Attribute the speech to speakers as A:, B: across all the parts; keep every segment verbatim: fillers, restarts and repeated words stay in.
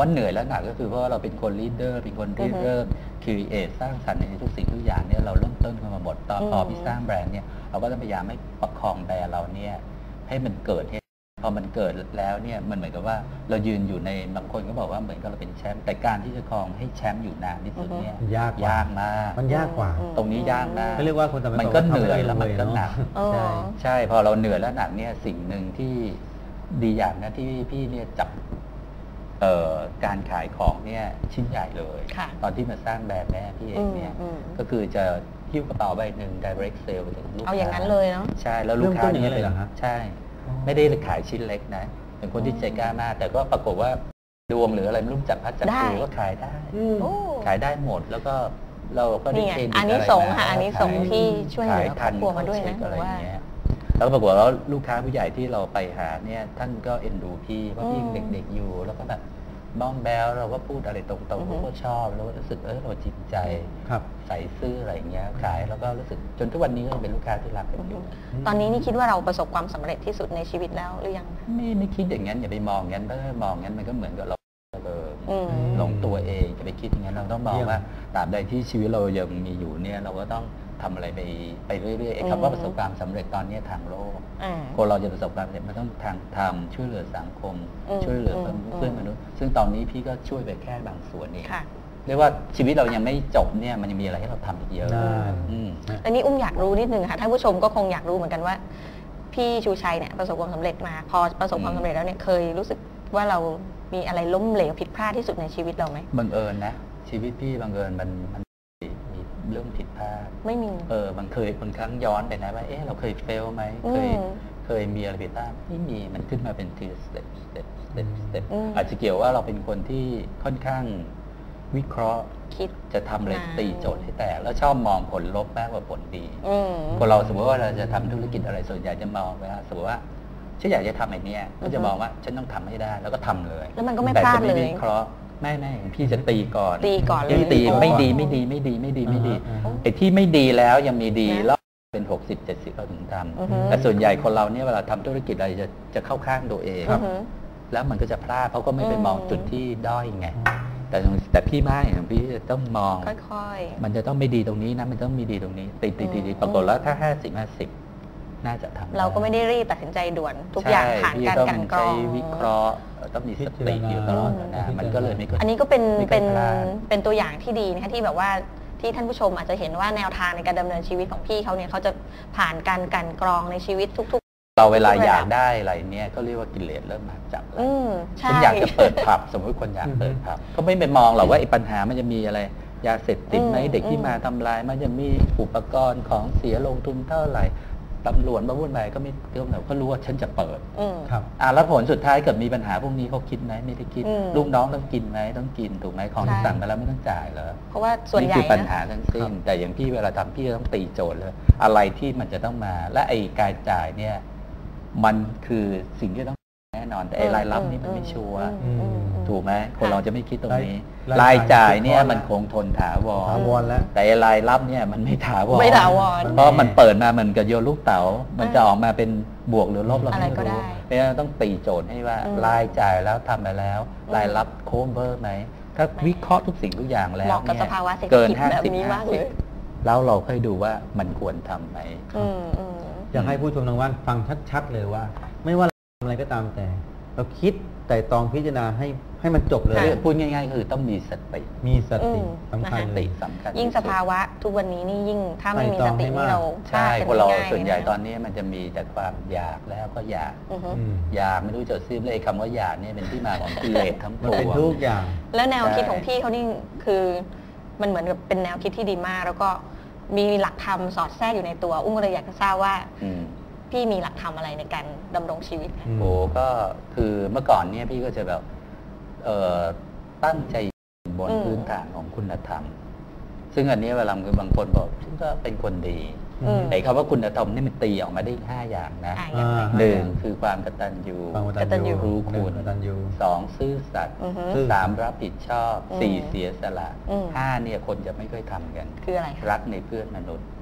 A: ว่าเหนื่อยและหนักก็คือเพราะว่าเราเป็นคนลีดเดอร์เป็นคนริเริ่มครีเอทสร้างสรรค์ในทุกสิ่งทุกอย่างเนี่ยเราเริ่มต้นกันมาหมดตอนพอพี่สร้างแบรนด์เนี่ยเราก็ต้องพยายามให้ประคองแบรนด์เราเนี่ยให้มันเกิดพอมันเกิดแล้วเนี่ยมันเหมือนกับว่าเรายืนอยู่ในบางคนก็บอกว่าเหมือนกับเราเป็นแชมป์แต่การที่จะครองให้แชมป์อยู่นานที่สุดเนี่ย
B: ยาก
A: ยากมาก
B: มันยากกว่า
A: ตรงนี้ยากมาก
B: เรียกว่าคน
A: มันก็เหนื่อยแล้วมันก็หนัก
B: ใช่
A: ใช่พอเราเหนื่อยแล้วหนักเนี่ยสิ่งหนึ่งที่ดีอย่างนะที่พี่เนี่ยจับการขายของเนี่ยชิ้นใหญ่เลยตอนที่มาสร้างแบรนด์แม่พี่เองเนี่ยก็คือจะหิ้วกระเป๋าใบหนึ่ง direct sale ไปถึงลูกค้า
C: เอาอย่างนั้นเลยเนาะ
A: ใช่แล้วลูกค้าเนี่ยเป็นใช่ไม่ได้ขายชิ้นเล็กนะเป็นคนที่ใจกล้ามากแต่ก็ปรากฏว่าดวงหรืออะไรไม่รู้จักพัดจับผูก็ขายได้ขายได้หมดแล้วก็เราก็ได้เกณฑ์
C: อันนี้สงค่ะอันนี้สงที่ช่วยเหลือครอบครัวมาด้วยนะว่า
A: แล้วปรากฏว่าลูกค้าผู้ใหญ่ที่เราไปหาเนี่ยท่านก็เอ็นดูพี่เพราะพี่ยังเด็กๆอยู่แล้วก็แบบบ้องแบลเราก็พูดอะไรตรงๆเขาก็ชอบแล้วก็รู้สึกเออเราจริงใจใส่ซื่ออะไรอย่างเงี้ยขายแล้วก็รู้สึกจนทุกวันนี้ก็เป็นลูกค้าที่รักกันอยู่
C: ตอนนี้นี่คิดว่าเราประสบความสำเร็จที่สุดในชีวิตแล้วหรือยัง
A: ไม่ไม่คิดอย่างนั้นอย่าไปมองงั้นถ้ามองงั้นมันก็เหมือนกับเราหลงตัวเองอย่าไปคิดอย่างนั้นเราต้องมองว่าตราบใดที่ชีวิตเรายังมีอยู่เนี่ยเราก็ต้องทำอะไรไปไปเรื่อยๆคำว่าประสบความสำเร็จตอนนี้ทางโลกคนเราจะประสบความสำเร็จมันต้องทางทำช่วยเหลือสังคมช่วยเหลือเพื่อนมนุษย์ซึ่งตอนนี้พี่ก็ช่วยไปแค่บางส่วนเองเรียกว่าชีวิตเรายังไม่จบเนี่ยมันยังมีอะไรให้เราทำอีกเยอะ
C: อันนี้อุ้มอยากรู้นิดนึงค่ะท่านผู้ชมก็คงอยากรู้เหมือนกันว่าพี่ชูชัยเนี่ยประสบความสำเร็จมาพอประสบความสำเร็จแล้วเนี่ยเคยรู้สึกว่าเรามีอะไรล้มเหลวผิดพลาดที่สุดในชีวิตเราไหม
A: บังเอิญนะชีวิตพี่บังเอิญมันมันเรื่องผิดพลาด
C: ไม่มี
A: เออบางเคยบางครั้งย้อนไปนะว่าเอ๊ะเราเคยเฟลไหมเคยเคยมีอะไรผิดพลาดไม่มีมันขึ้นมาเป็นทีสเต็ปสเต็ปสเต็ปสเต็ปอาจจะเกี่ยวว่าเราเป็นคนที่ค่อนข้างวิเคราะห์
C: คิด
A: จะทำอะไรตีโจทย์ให้แตกแล้วชอบมองผลลบมากกว่าผลดีคนเราสมมติว่าเราจะทำธุรกิจอะไรส่วนใหญ่จะมองว่าสมมติว่าฉันอยากจะทำไอ้นี่ก็จะมองว่าฉันต้องทำให้ได้แล้วก็ทำเลย
C: แล้วมันก็ไม่พลาดเลย
A: วิเคราะห์ไม่ไม่พี่จะตีก่อน
C: ตีก่อนเลย
A: ตีไม่ดีไม่ดีไม่ดีไม่ดีไม่ดีไอ้ที่ไม่ดีแล้วยังมีดีแล้วเป็นหกสิบเจ็ดสิบเราถึงทำแต่ส่วนใหญ่คนเราเนี่ยเวลาทำธุรกิจอะไรจะจะเข้าข้างตัวเองแล้วมันก็จะพลาดเพราะก็ไม่ไปมองจุดที่ด้อยไงแต่แต่พี่ไม่ของพี่จะต้องมอง
C: ค่อย
A: ๆมันจะต้องไม่ดีตรงนี้นะมันต้องมีดีตรงนี้ตีตีตีปรากฏแล้วถ้าห้าสิบห้าสิบน่าจะทำ
C: เราก็ไม่ได้รีบตัดสินใจด่วนทุกอย่างผ่านการกันกรอง
A: วิเคราะห์ต้องมีสติอยู่ตลอดนะมันก็เลยไม่
C: อันนี้ก็เป็นเป็นเป็นตัวอย่างที่ดีนะคะที่แบบว่าที่ท่านผู้ชมอาจจะเห็นว่าแนวทางในการดำเนินชีวิตของพี่เขาเนี่ยเขาจะผ่านการกันกรองในชีวิตทุก
A: ๆเราเวลาอยากได้อะไรเนี่ยก็เรียกว่ากิเลสเริ่มมาจับแล้วฉันอยากจะเปิดผับสมมติคนอยากเปิดผับก็ไม่ไปมองหรอกว่าไอ้ปัญหามันจะมีอะไรยาเสพติดไหมเด็กที่มาทำลายมันจะมีอุปกรณ์ของเสียลงทุนเท่าไหร่ตำรวจมาวุ่นวายก็ไม่เรื่องไหนก็รู้ว่าฉันจะเปิดครับอ่าแล้วผลสุดท้ายเกิดมีปัญหาพวกนี้เขาคิดไหมไม่ได้คิดลูกน้องต้องกินไหมต้องกินถูกไหมของที่สั่งมาแล้วไม่ต้องจ่ายเหรอ
C: เพราะว่าส่วนใหญ่
A: นี่คือปัญหาทั้งสิ้นแต่อย่างพี่เวลาทำพี่ต้องตีโจทย์เลยอะไรที่มันจะต้องมาและไอ้การจ่ายเนี่ยมันคือสิ่งที่ต้องแน่นอนแต่ไอ้รายรับนี่มันไม่ชัวร์ถูกไหมคนเราจะไม่คิดตรงนี้รายจ่ายเนี่ยมันคงทนถาว
B: รแล้ว
A: แต่รายรับเนี่ยมันไม่ถาวร
C: ไม่ถาวร
A: เพราะมันเปิดมาเหมือนกับโยนลูกเต๋ามันจะออกมาเป็นบวกหรือลบเราไม่รู้เพราะฉะนั้นต้องตีโจทย์ให้ว่ารายจ่ายแล้วทำไปแล้วรายรับโค้งเบอร์ไหมถ้าวิเคราะห์ทุกสิ่งทุกอย่างแล้วเนี่ยเกินห้าสิบห้าสิบแล้วเราค่อยดูว่ามันควรทำไหม
B: อยากให้ผู้ชมทางบ้านฟังชัดๆเลยว่าไม่ว่าทำอะไรก็ตามแต่เราคิดแต่ตองพิจารณาให้ให้มันจบเลย
A: พูดง่ายๆคือต้องมีสติ
B: มีสติสำคัญ
A: ติสำคัญ
C: ยิ่งสภาวะทุกวันนี้นี่ยิ่งถ้าไม่มีสตินี่เรา
A: ใช่คนเราส่วนใหญ่ตอนนี้มันจะมีแต่ความอยากแล้วก็อยากอยากไม่รู้จะซื้อเลยคำว่าอยากเนี่ยเป็นที่มาของกิเลสทั้งปวง
B: เป็นทุกอย่าง
C: แล้วแนวคิดของพี่เขานี่คือมันเหมือนกับเป็นแนวคิดที่ดีมากแล้วก็มีหลักธรรมสอดแทรกอยู่ในตัวอุ้งเลยอยากจะทราบว่าพี่มีหลักธรรมอะไรในการดำรงชีวิต
A: โอ้ก็คือเมื่อก่อนเนี่ยพี่ก็จะแบบตั้งใจบนพื้นฐานของคุณธรรมซึ่งอันนี้เวลาบางคนบอกฉันก็เป็นคนดีไอ้คำว่าคุณธรรมนี่มันตีออกมาได้ห้าอย่างนะหนึ่งคือความกตัญญู
B: กตัญญู
A: รู้คุณสองซื่อสัตย์สามรับผิดชอบสี่เสียสละห้าเนี่ยคนจะไม่ค่อยทำกัน
C: คืออะไร
A: รักในเพื่อนมนุษย์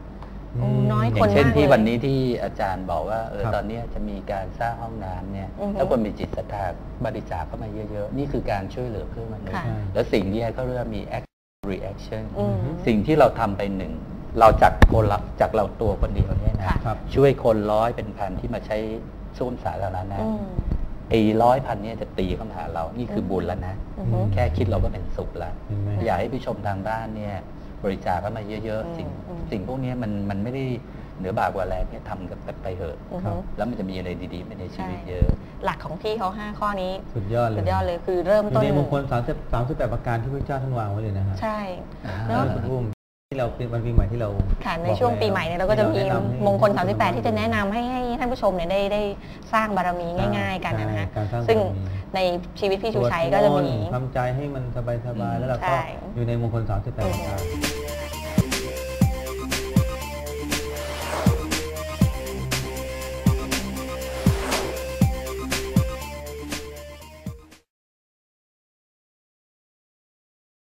C: โอ้น้อย
A: อ
C: ค
A: ย่าน งเช่น
C: มาก
A: ที่
C: เลย
A: วันนี้ที่อาจารย์บอกว่าเออ
B: ครับ
A: ตอนนี้จะมีการสร้างห้องน้ำเนี่ย
C: อือฮึ
A: ถ้าคนมีจิตศรัทธาบริจาคเข้ามาเยอะๆ นี่คือการช่วยเหลือเพื่อนมนุษย์
C: ค่ะ
A: แล้วสิ่งที่เขาเรียกว่ามี action reaction
C: อืม
A: สิ่งที่เราทำไปหนึ่ง เราจากคนละจากเราตัวคนเดียวเนี่ยนะ
C: ค่ะ
B: ครับ
A: ช่วยคนร้อยเป็นพันที่มาใช้ส้วมสาธารณะ
C: อืม
A: ไอ้ร้อยพันเนี่ยจะตีเข้ามาหาเรา นี่คือบุญแล้วนะ
C: อือฮึ
A: แค่คิดเราก็เป็นสุขแล้ว
B: เห็นไหม
A: อยากให้ผู้ชมทางบ้านเนี่ยบริจาคเข้ามาเยอะ
C: อืม
A: ๆ สิ่ง
C: อืม
A: สิ่งพวกนี้มันมันไม่ได้เหนือบากกว่าแรงเนี่ยทำกันไปเถอะ
C: อือ
B: ครั
C: ฮึ
B: บ
A: แล้วมันจะมีอะไรดีๆไปในชีวิต
C: ใช่
A: เยอะ
C: หลักของพี่เขาห้าข้อนี้
B: สุดยอดเลย
C: สุดยอดเลยคือเริ่ม
B: อยู่
C: ต้น
B: ในมงคลสามสิบสามสิบแปดประการที่พระเจ้าท่านวางไว้เลยนะฮะ
C: ใช่
A: อ่า
C: แล้ว
B: คุณอุ้มที่เราเป็นวันปีใหม่ที่เรา
C: ค่ะใน
B: บอก
C: ช่วง
B: แล้ว
C: ปีใหม่เนี่ยเราก็จะมี
B: ที่แนำให้
C: มงคล สามสิบแปด ที่จะแนะนำให้ให้ท่านผู้ชมเนี่ยได้ได้สร้างบารมีง่าย ๆ กันนะฮะ
B: การสร้าง
C: ซึ่ง
B: บารมี
C: ในชีวิตพี่ชูชัยก็จะมี
B: สวดนต์ทำใจให้มันสบายๆแล้วเราก็
C: ใช่
B: อยู่ในมงคลสามสิบแปดประการ